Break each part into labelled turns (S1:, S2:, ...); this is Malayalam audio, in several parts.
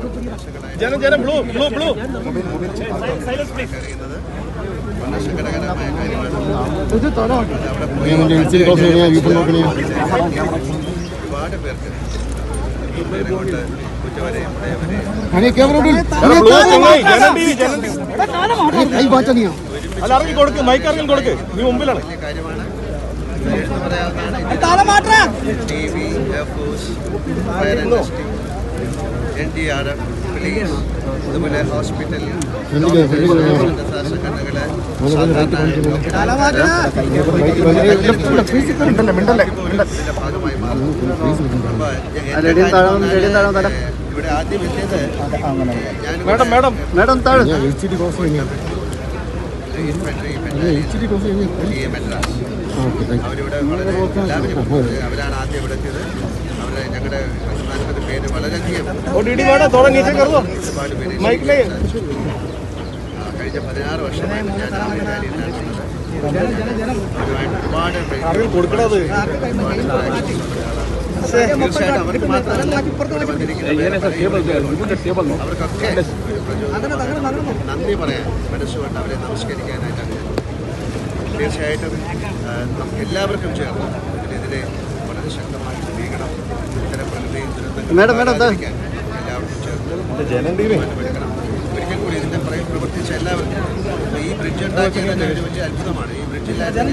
S1: സങ്കടകരമായ കാര്യമാണ്. ഒരുപാട് പേർക്ക് കൊണ്ട് കുറ്റവരെയും വലിയ കാര്യമാണ്. എടുത്തു പറയാവുന്നതാണ് navy, air force, fire and rescue, NDRF, police, അതുപോലെ ഹോസ്പിറ്റൽ, സംഘടനകള് ഭാഗമായി മാറുന്നു. ഇവിടെ ആദ്യം എത്തിയത് അവരിവിടെ വളരെ എല്ലാവരും അവരാണ് ആദ്യം ഇവിടെ എത്തിയത്. അവരെ ഞങ്ങളുടെ പ്രസ്ഥാനത്തിന്റെ പേര് വളരെയധികം കഴിഞ്ഞ 16 വർഷമായിട്ട് ഞാൻ തീർച്ചയായിട്ടും അവർക്ക് മാത്രമല്ല അവർക്കൊക്കെ നന്ദി പറയാൻ മനസ്സുകൊണ്ട് അവരെ നമസ്കരിക്കാനായിട്ടാണ്. തീർച്ചയായിട്ടും നമുക്ക് എല്ലാവർക്കും ചേർന്ന് ഇതിനെതിരെ വളരെ ശക്തമായിട്ട് നീങ്ങണം. ഇത്തരം പ്രകൃതി ദുരന്തങ്ങൾ എല്ലാവർക്കും ചേർന്ന് ഒരിക്കൽ കൂടി ഇതിന്റെ പ്രവർത്തിച്ച എല്ലാവർക്കും ഈ ബ്രിഡ്ജ് ഉണ്ടാക്കിയത് തന്നെ ഒരു വലിയ അത്ഭുതമാണ്. ഈ ബ്രിഡ്ജില്ലാതെ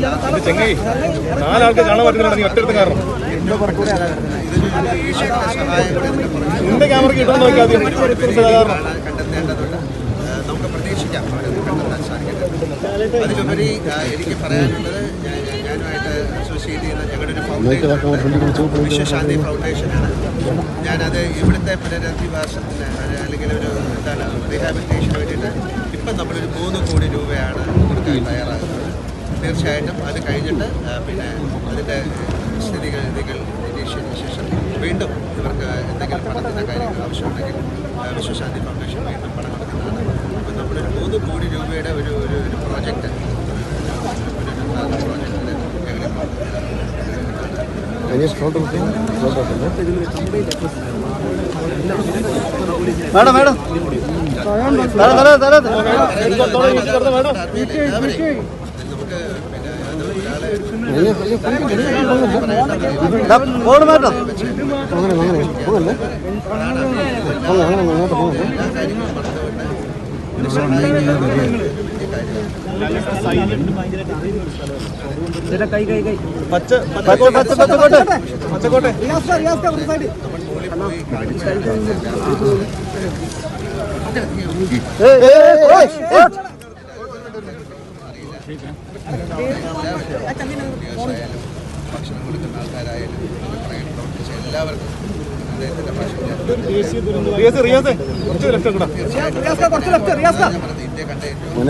S1: കണ്ടെത്തേണ്ടതുണ്ട്. നമുക്ക് പ്രതീക്ഷിക്കാം അവരൊന്നും കണ്ടെത്താൻ സാധിക്കട്ടെ. അതിലുപരി എനിക്ക് പറയാനുള്ളത് ഞാനുമായിട്ട് അസോസിയേറ്റ് ചെയ്യുന്ന ഞങ്ങളുടെ ഒരു ഫൗണ്ടേഷൻ വിശ്വശാന്തി ഫൗണ്ടേഷനാണ്. ഞാനത് ഇവിടുത്തെ പുനരധിവാസത്തിന് അല്ലെങ്കിൽ ഒരു എന്താണ് റീഹാബിലിറ്റേഷന് വേണ്ടിയിട്ട് ഇപ്പം നമ്മളൊരു 3 കോടി രൂപയാണ് കൊടുക്കാൻ തയ്യാറാകുന്നത്. തീർച്ചയായിട്ടും അത് കഴിഞ്ഞിട്ട് പിന്നെ അതിൻ്റെ സ്ഥിതിഗതികൾ നിരീക്ഷിച്ചതിന് ശേഷം വീണ്ടും ഇവർക്ക് എന്തെങ്കിലും പണത്തിൻ്റെ കാര്യങ്ങൾ ആവശ്യമുണ്ടെങ്കിൽ വിശ്വശാന്തി ഫൗണ്ടേഷൻ വീണ്ടും പണം കൊടുക്കുന്നതാണ്. അപ്പം നമ്മളൊരു 3 കോടി രൂപയുടെ ഒരു പ്രോജക്റ്റ് പ്രോജക്റ്റിൽ ഭക്ഷണം കൊടുക്കുന്ന ആൾക്കാരായാലും പ്രവർത്തിച്ച എല്ലാവർക്കും അദ്ദേഹത്തിന്റെ ഇന്ത്യ കണ്ട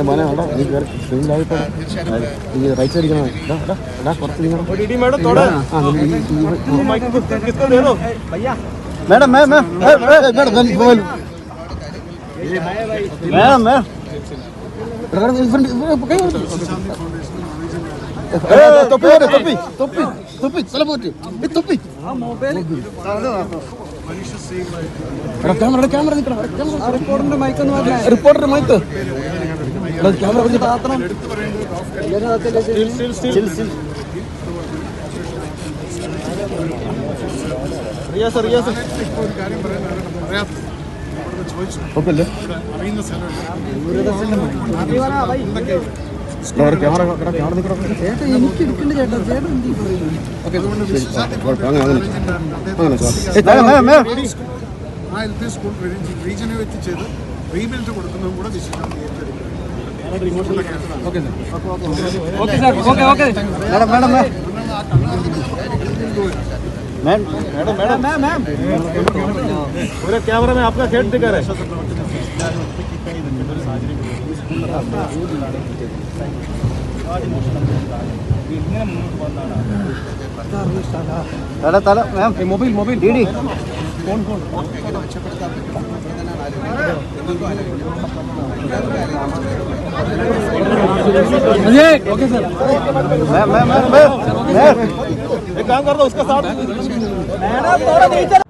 S2: റിപ്പോർട്ടർ മൈക്ക് ക്യാമറ എനിക്ക് എടുക്കേണ്ട ചേട്ടാ
S3: LP സ്കൂൾ റീജിയനെ വെച്ച് ചെയ്ത് റീബിൽഡ് കൊടുക്കുന്നതും കൂടെ വിശേഷം
S2: पूरे कैमरा में आपका खेत दिखा रहा है. Mobile DD phone okay sir. मैं एक काम कर दो उसका साथ मैडम थोड़ा नीचे